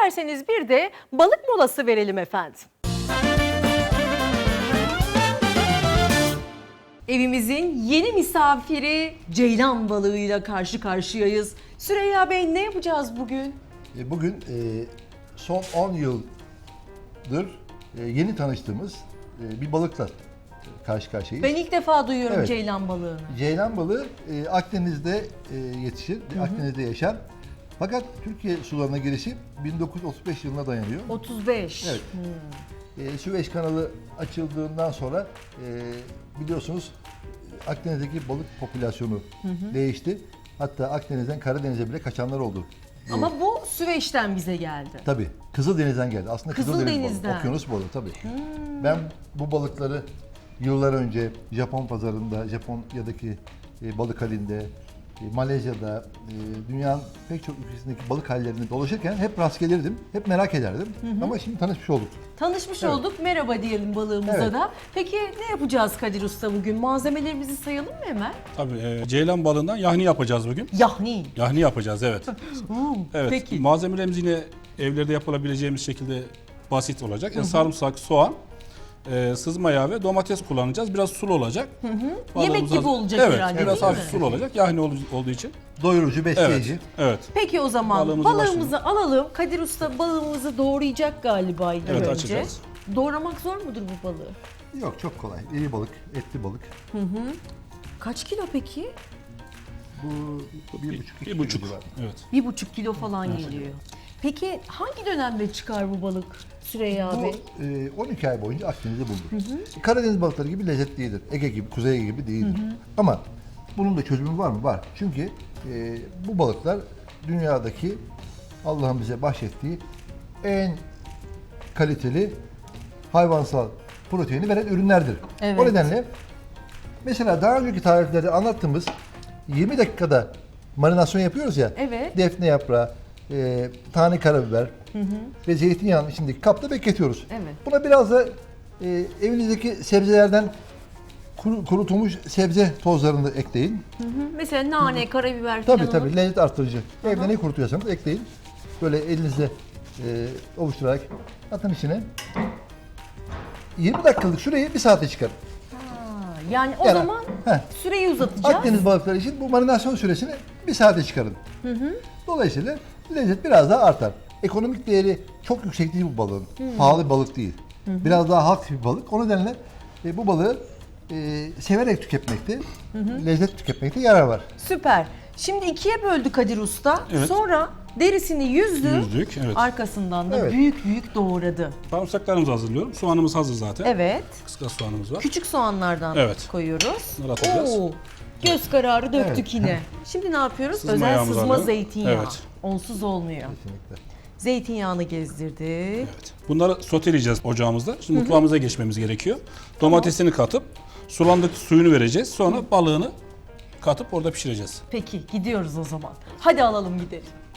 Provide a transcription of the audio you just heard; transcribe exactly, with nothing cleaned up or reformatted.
İsterseniz bir de balık molası verelim efendim. Evimizin yeni misafiri ceylan balığıyla karşı karşıyayız. Süreyya Bey, ne yapacağız bugün? Bugün e, son on yıldır e, yeni tanıştığımız e, bir balıkla karşı karşıyayız. Ben ilk defa duyuyorum Evet. ceylan balığını. Ceylan balığı e, Akdeniz'de e, yetişir, hı hı. Akdeniz'de yaşar. Fakat Türkiye sularına girişi bin dokuz yüz otuz beş yılına dayanıyor. otuz beş. Evet. Hmm. E, Süveyş kanalı açıldığından sonra e, biliyorsunuz Akdeniz'deki balık popülasyonu hı hı. değişti. Hatta Akdeniz'den Karadeniz'e bile kaçanlar oldu. Ama bu Süveyş'ten bize geldi. Tabii. Kızıldeniz'den geldi. Aslında Kızıldeniz Kızıldeniz'den. balığı, okyanus balığı tabii. Hmm. Ben bu balıkları yıllar önce Japon pazarında, Japonya'daki e, balık halinde, e, Malezya'da, e, dünyanın pek çok ülkesindeki balık hallerinde dolaşırken hep rast gelirdim, hep merak ederdim. Hı hı. Ama şimdi tanışmış olduk. Tanışmış evet. olduk, merhaba diyelim balığımıza evet. da. Peki ne yapacağız Kadir Usta bugün? Malzemelerimizi sayalım mı hemen? Tabii, e, ceylan balığından yahni yapacağız bugün. Yahni? Yahni yapacağız, evet. evet. Peki. Malzemelerimiz yine evlerde yapılabileceğimiz şekilde basit olacak. Yani sarımsak, soğan, e, sızma yağı ve domates kullanacağız. Biraz sulu olacak. Hı hı. Yemek gibi hazır. olacak evet, herhalde, biraz değil mi? hafif sulu olacak yahni ol, olduğu için. Doyurucu, besleyici. Evet, evet. Peki o zaman Balığımızı balığımızı alalım. Kadir Usta balığımızı doğrayacak galiba ilk evet, önce. açacağız. Doğramak zor mudur bu balığı? Yok, çok kolay. İri balık, etli balık. Hı hı. Kaç kilo peki? Bu bir buçuk, Bir buçuk, evet. Bir buçuk kilo falan evet. geliyor. Peki hangi dönemde çıkar bu balık Süreyya bu, Bey? E, on iki ay boyunca Akdeniz'de bulunur. Hı hı. Karadeniz balıkları gibi lezzetlidir. Ege gibi, Kuzey gibi değildir. Hı hı. Ama bunun da çözümü var mı? Var. Çünkü e, bu balıklar dünyadaki Allah'ın bize bahşettiği en kaliteli hayvansal proteini veren ürünlerdir. Evet. O nedenle mesela daha önceki tariflerde anlattığımız yirmi dakikada marinasyon yapıyoruz ya. Evet. Defne yaprağı, e, tane karabiber hı hı. ve zeytinyağının içindeki kapta bekletiyoruz. Evet. Buna biraz da e, evinizdeki sebzelerden kuru, kurutulmuş sebze tozlarını da ekleyin. Hı hı. Mesela nane, hı hı. karabiber tabii, falan. Tabii tabii lezzet artırıcı. Hı hı. Evde ne kurutuyorsanız ekleyin. Böyle elinizle e, ovuşturarak atın içine. yirmi dakikalık süreyi bir saate çıkarın. Yani o yani, zaman heh, süreyi uzatacağız. Akdeniz balıkları için bu marinasyon süresini bir saate çıkarın. Hı hı. Dolayısıyla lezzet biraz daha artar. Ekonomik değeri çok yüksek değil bu balığın. Hı. Pahalı bir balık değil. Hı hı. Biraz daha halk bir balık. O nedenle e, bu balığı e, severek tüketmekte, hı hı. lezzet tüketmekte yarar var. Süper. Şimdi ikiye böldü Kadir Usta. Evet. Sonra derisini yüzdü. Yüzdük, evet. Arkasından da evet. büyük büyük doğradı. Sarımsaklarımızı hazırlıyorum. Soğanımız hazır zaten. Evet. Kıskas soğanımız var. Küçük soğanlardan evet. koyuyoruz. Bunları atacağız. Oo, göz kararı döktük evet. yine. Şimdi ne yapıyoruz? Sızma Özel sızma alalım. zeytinyağı. Evet. Onsuz olmuyor. Kesinlikle. Zeytinyağını gezdirdik. Evet. Bunları soteleyeceğiz ocağımızda. Şimdi mutfağımıza geçmemiz gerekiyor. Domatesini katıp sulandık suyunu vereceğiz. Sonra balığını katıp orada pişireceğiz. Peki gidiyoruz o zaman. Hadi alalım gidelim.